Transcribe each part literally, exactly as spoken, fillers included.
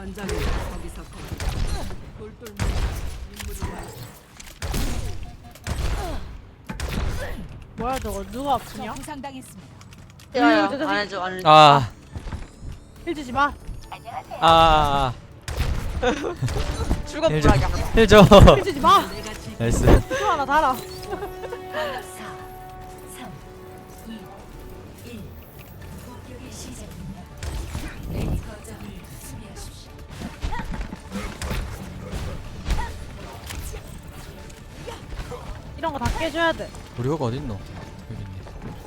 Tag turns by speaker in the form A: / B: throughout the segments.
A: 전장에 거기서 거기 돌돌 인물이
B: 뭐야 저거 누가 아프냐?
C: 부상당했습니다.
D: 야야
B: 음,
D: 안 해줘 안 해줘.
E: 아,
B: 힐 주지 마.
E: 아,
D: 출근
E: 힐 줘.
D: 불하게 하자.
E: 힐 줘.
B: 힐 주지 마.
A: 내가 지금
E: 나이스.
B: 힐 하나 달아.
C: 사, 삼, 이, 일. 공격의 시작입니다. A 거점을 수비하십시오.
B: 이런 거 다 깨줘야 돼.
E: 우리 호가 어딨노? 여기 있네.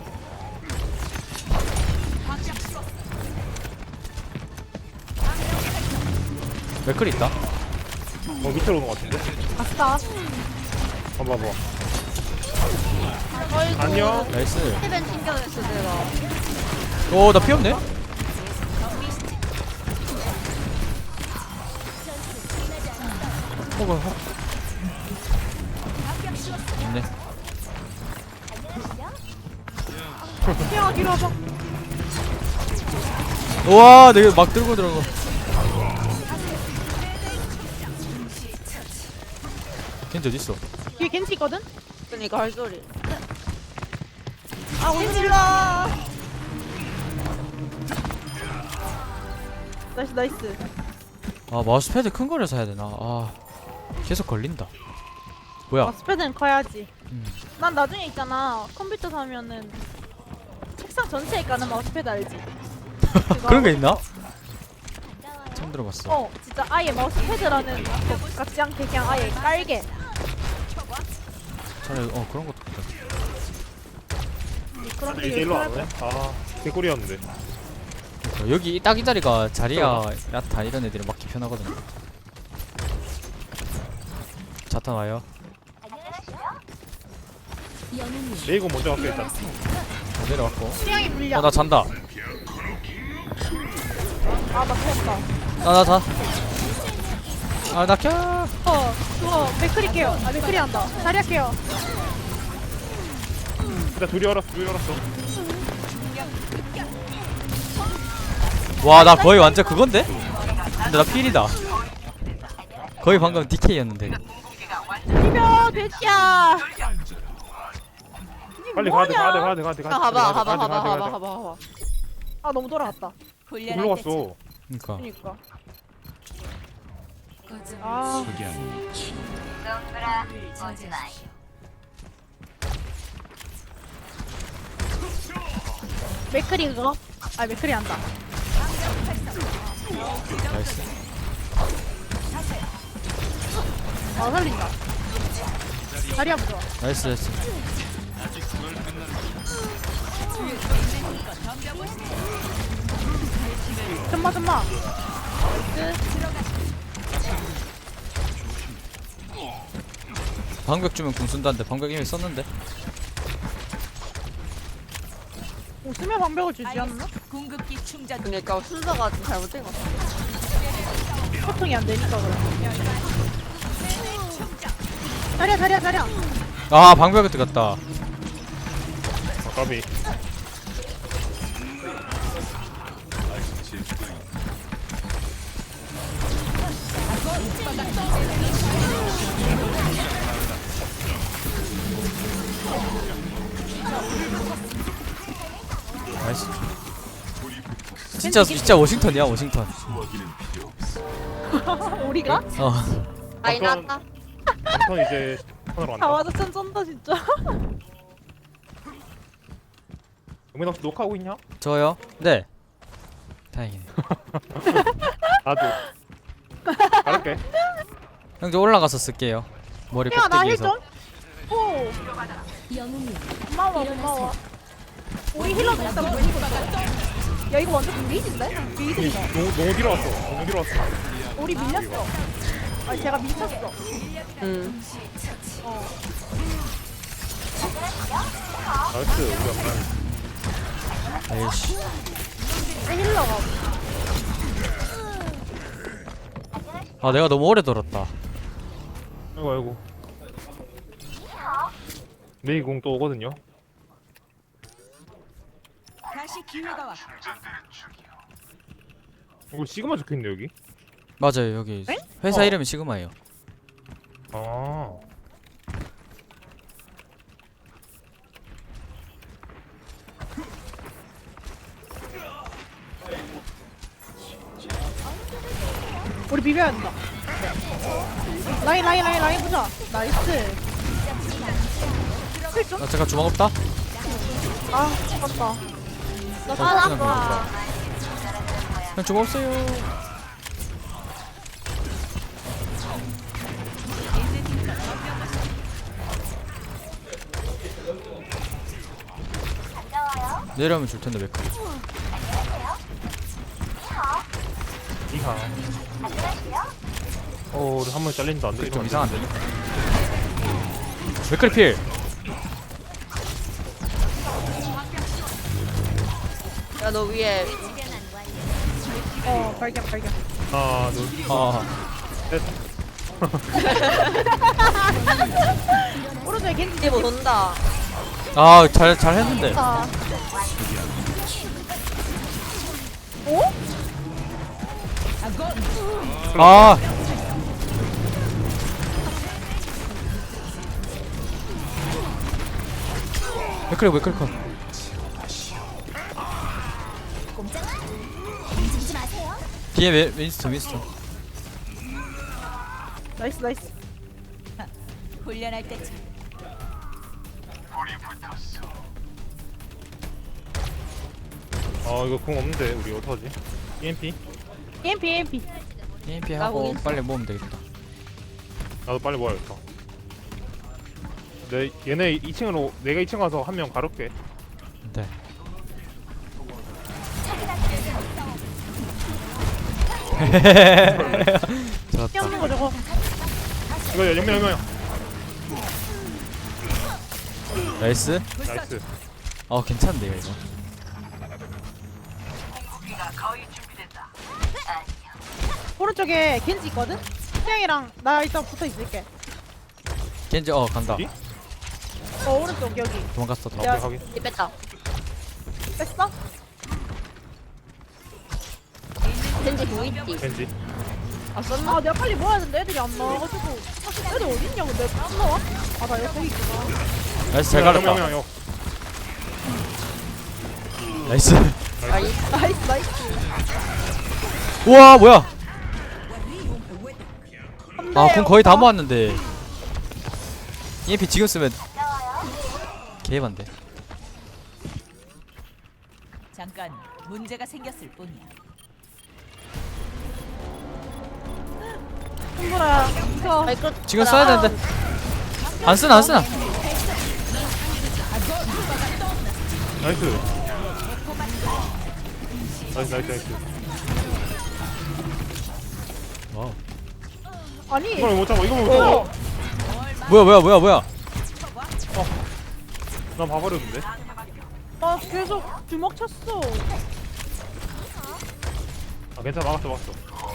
E: 맥클 있다.
F: 어 밑으로 오는 것 같은데?
B: 아싸.
F: 봐봐 봐.
D: 어이구.
F: 안녕.
E: 나이스.
D: 헤벤 챙겨냈어 내가.
E: 오, 나 피 없네? 호가 호. 있네.
B: 태양아 뒤로 와봐.
E: 우와, 내가 막 들고 들어가. 걘지 어딨어?
B: 뒤에 겐지 있거든?
D: 그러니까 할 소리.
B: 아 겐질러. 나이스 나이스.
E: 아, 마우스패드 큰 거를 사야 되나? 아, 계속 걸린다. 뭐야?
B: 마스패드는 커야지.
E: 음.
B: 난 나중에 있잖아 컴퓨터 사면은 책상 전체에 까는 마우스패드 알지? 그거
E: 그런 게 있나? 처음 들어봤어.
B: 어 진짜 아예 마우스패드라는 것 같지 않게 그냥 아예 깔게.
E: 차라리 어 그런 것도 있다.
B: 그런 게
F: 이제 일로 안
B: 요즘
F: 오네? 아 개꿀이었는데.
E: 그러니까 여기 딱 이 자리가 자리야 야타 이런 애들이 막기 편하거든. 자탄 와요.
F: 레이건 먼저 갈게 일단.
E: 어, 내려왔고.
B: 취향이 불려.
E: 어 나 잔다.
B: 아 맞췄다.
E: 나나 자. 아나 켜.
B: 어 그거 맥크리 깨요. 아 맥크리 한다. 자리 할게요.
F: 일단 둘이 얼었어 둘이 얼었어.
E: 와 나 거의 완전 그건데? 근데 나 필이다. 거의 방금 디케이였는데.
B: 비벼 대시야.
F: 빨리 가야 돼 가야 돼 가야 돼 가야 돼.
D: 아 가봐 가봐 가봐 가봐 가봐 가봐.
B: 아 너무 돌아갔다.
F: 올라 갔어.
E: 그러니까.
B: 그니까.
C: 거점을
B: 아
C: 저지하십시오.
B: 맥크리 그거. 아 맥크리 한다.
E: 나이스.
B: 아 살린다. 자리 한번 좋아.
E: 나이스 나이스.
B: 좀마 좀마.
E: 방벽 주면 궁 쓴다는데 방벽 이미 썼는데.
B: 웃으며 방벽을 주지 않나?
C: 궁극기 충전.
D: 그러니까 순서가 좀 잘못된 것 같아.
B: 소통이 안 되니까 그래. 자리야 자리야 자리야.
E: 아 방벽에 들어갔다.
F: 아 까비.
E: 나이스. 진짜 진짜 워싱턴이야 워싱턴.
B: 우리가?
E: 어.
D: 아이 나왔다.
F: 남편 이제 턴으로
B: 다
F: 간다.
B: 와서 짠 쩐다 진짜.
F: 영민 혹시 녹화하고 있냐?
E: 저요? 네. 다행이네.
F: 나도. 갈게.
E: 형 저 올라가서 쓸게요. 머리
B: 야 나 힐
E: 꼭대기에서.
B: 좀. 오 고마워 고마워. 우리 힐러도 일단 보이고 있어. 야 이거 완전 비리진데? 비리진다.
F: 너무 너무 뒤로 왔어. 너무 뒤로 왔어.
B: 우리 밀렸어. 아니 제가 밀쳤어.
D: 응.
B: 어.
F: 나이스 우리 엄마.
E: 에이씨.
B: 내 힐러가.
E: 아 내가 너무 오래 돌았다.
F: 아이고 아이고. 레이공 또 오거든요.
C: 다시 기회가 왔.
F: 이거 시그마 적혀있네 여기.
E: 맞아요 여기
B: 엥?
E: 회사
F: 어.
E: 이름이 시그마예요.
F: 아.
B: 우리 비벼야 된다. 라인 라인 라인 라인 보자. 나이스. 힐 좀?
E: 나 잠깐 주먹 없다.
B: 아 죽었다.
E: 나
B: 아,
E: 그냥 그냥 그냥 주먹 없어요. 내려오면 줄 텐데 왜 그래?
F: 이하. 어, 우리 한 번 잘린다. 안 돼.
E: 좀 이상한데. 왜 그래 필?
D: 야 너 위에
B: 어 발견 발견.
F: 하나, 둘,
E: 아
F: 셋.
B: 오른쪽에 겐지
D: 뒤에 뭐 논다.
E: 아, 잘, 잘 했는데.
B: 다. 오?
E: 아, 왜 그래, 왜 그래, 컷. 뒤에 웨, 윈스턴, 윈스턴.
B: 나이스 나이스.
C: 훈련할 때쯤
F: 아, 이거 궁 없는데 우리 어떡하지? 이엠피?
B: EMP EMP.
E: 이엠피
D: 나
E: 하고
D: 거기
E: 빨리 모으면 되겠다.
F: 나도 빨리 모아야겠다. 내 얘네 이 층으로 내가 이 층 가서 한 명 가롭게.
E: 네. 좋았다.
B: 뛰어오는 거 저거.
F: 이거 연명 연명.
E: 나이스.
F: 나이스.
E: 어, 괜찮은데요, 이거.
B: 오른쪽에 겐지 있거든. 태양이랑 나 일단 붙어 있을게.
E: 겐지, 어, 간다.
F: 어디?
B: 어 오른쪽 여기.
E: 도망갔어, 도
F: 아, 오케이 확인.
D: 뒤 뺐다.
B: 뺐어?
D: 겐지 공 있지.
F: 겐지.
D: 아 썼나?
B: 아 내가 빨리 모아야 되는데 애들이 안 나와가지고. 사실 애들 어딨냐 근데 안 나와? 아나 여기 있구나.
E: 나이스, 잘
F: 연명
E: 가렸다.
F: 연명.
E: 나이스.
D: 아이
B: 나이스 나이스.
E: 우와, 뭐야.
B: 안돼,
E: 아, 공 거의 다
B: 오빠.
E: 모았는데. 이엠피 지금 쓰면 개반데.
C: 잠깐 문제가 생겼을 뿐이야.
B: 손보라 이거.
D: 아이 그
E: 지금 써야 되는데. 안 쓰나, 안 쓰나.
F: 나이스. 나이스 나이스 나이스.
E: 와우.
B: 아니
F: 이걸 못 잡아. 이거 못 잡아.
E: 뭐야, 뭐야, 뭐야, 뭐야.
F: 난 봐버렸는데.
B: 나 계속 주먹 쳤어.
F: 아 괜찮아 막았어 막았어.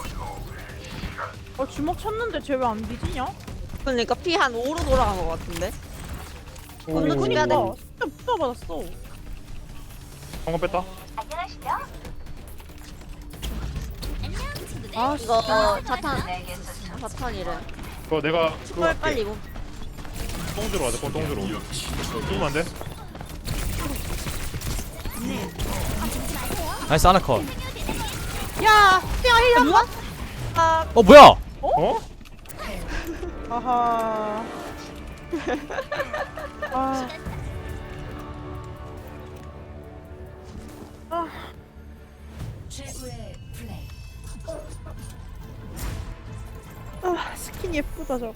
B: 어 주먹 쳤는데 쟤 왜 안 뒤지냐?
D: 그러니까 피 한 오로 돌아간 것 같은데. 근데
F: 오.
D: 그니까 내-
B: 그니까 진짜 붙어 받았어.
F: 방금 뺐다.
B: 아
D: 이거 자탄 자탄이래.
F: 그거 내가 그거
D: 빨리
F: 할게.
D: 빨리 이거.
F: 똥주로 하자. 똥주로. 죽으면 안 돼?
E: 나이스, 하나 컷.
B: 야 태양 힐 한 번. 아
E: 어, 뭐야.
F: 어?
B: 아하. 아. 아.
C: 최고의 플레이.
B: 아 스킨 예쁘다 저거.